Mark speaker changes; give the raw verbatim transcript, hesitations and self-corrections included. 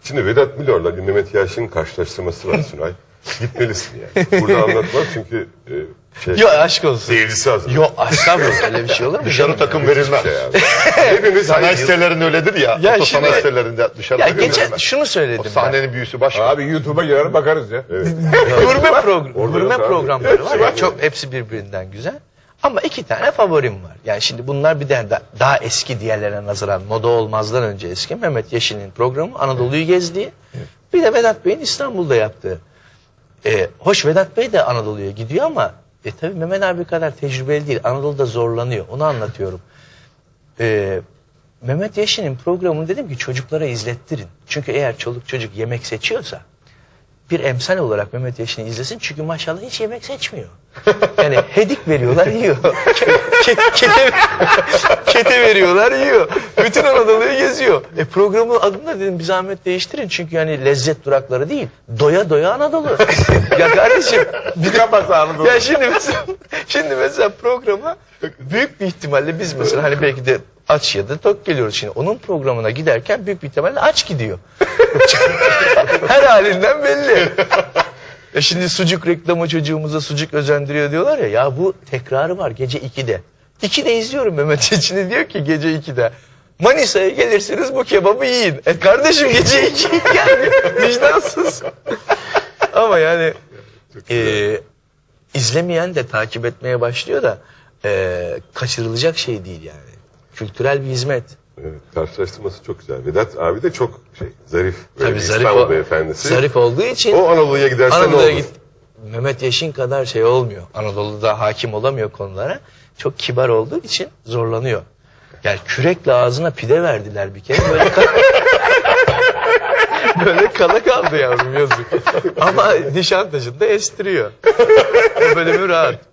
Speaker 1: Şimdi Vedat Milor'la bir Mehmet Yaşin'in karşılaştırması var Sunay. Gitmelisin yani. Burada anlatmam çünkü e, şey,
Speaker 2: Yok aşk olsun.
Speaker 1: seyircisi hazır.
Speaker 2: Yok estağfurullah öyle bir şey olur mu?
Speaker 3: Dışarı takım verilmez.
Speaker 1: Şey abi. Hepimiz
Speaker 3: Sanayi
Speaker 1: hani
Speaker 3: sitelerinin öyledir ya.
Speaker 2: Ya
Speaker 3: Oto
Speaker 2: şimdi-
Speaker 3: sanayi sitelerinde dışarı
Speaker 2: Ya
Speaker 3: takım
Speaker 2: geçen
Speaker 3: verilmez.
Speaker 2: şunu
Speaker 3: O
Speaker 2: söyledim ben.
Speaker 3: sahnenin büyüsü başka.
Speaker 4: Abi YouTube'a girer bakarız ya.
Speaker 1: Evet.
Speaker 2: Gurme, program,
Speaker 1: Orada
Speaker 2: gurme
Speaker 1: yok abi.
Speaker 2: programları var
Speaker 1: Hepsi
Speaker 2: ya
Speaker 1: var.
Speaker 2: çok hepsi birbirinden güzel. Ama iki tane favorim var. Yani şimdi bunlar bir de da- daha eski diğerlerine nazaran moda olmazdan önce eski. Mehmet Yeşil'in programı Anadolu'yu gezdiği. Bir de Vedat Bey'in İstanbul'da yaptığı. Ee, hoş Vedat Bey de Anadolu'ya gidiyor ama e, tabii Mehmet abi kadar tecrübeli değil. Anadolu'da zorlanıyor. Onu anlatıyorum. Ee, Mehmet Yeşil'in programını dedim ki çocuklara izlettirin. Çünkü eğer çoluk çocuk yemek seçiyorsa bir emsal olarak Mehmet Yeşil'i izlesin. Çünkü maşallah hiç yemek seçmiyor. Yani hedik veriyorlar yiyor. Ke- kete, kete veriyorlar yiyor. Bütün Anadolu'yu geziyor. E programın adını da dedim bir zahmet değiştirin. Çünkü yani lezzet durakları değil. Doya doya Anadolu. Ya kardeşim. Bir
Speaker 4: Kafası Anadolu.
Speaker 2: ya şimdi mesela, şimdi mesela programa büyük bir ihtimalle biz mesela hani belki de aç ya da tok geliyoruz şimdi. Onun programına giderken büyük bir ihtimalle aç gidiyor. Her halinden belli. E şimdi sucuk reklamı çocuğumuza sucuk özendiriyor diyorlar ya. Ya bu tekrarı var gece ikide. ikide izliyorum Mehmet Yeşil'i diyor ki gece ikide. Manisa'ya gelirsiniz bu kebabı yiyin. E kardeşim gece iki yani vicdansız. Ama yani e, izlemeyen de takip etmeye başlıyor da e, kaçırılacak şey değil yani. Kültürel bir hizmet.
Speaker 1: Evet, karşılaştırması çok güzel. Vedat abi de çok şey zarif. Böyle
Speaker 2: Tabii
Speaker 1: bir
Speaker 2: zarif,
Speaker 1: İstanbul
Speaker 2: o-
Speaker 1: beyefendisi.
Speaker 2: zarif olduğu için
Speaker 1: O Anadolu'ya giderse ne
Speaker 2: Anadolu'ya
Speaker 1: olur?
Speaker 2: git. Mehmet Yeşil kadar şey olmuyor. Anadolu'da hakim olamıyor konulara. Çok kibar olduğu için zorlanıyor. Yani kürekle ağzına pide verdiler bir kere. Böyle, kal böyle kala kaldı yavrum yazık. Ama Nişantaşı'nda estiriyor. O bölümü rahat.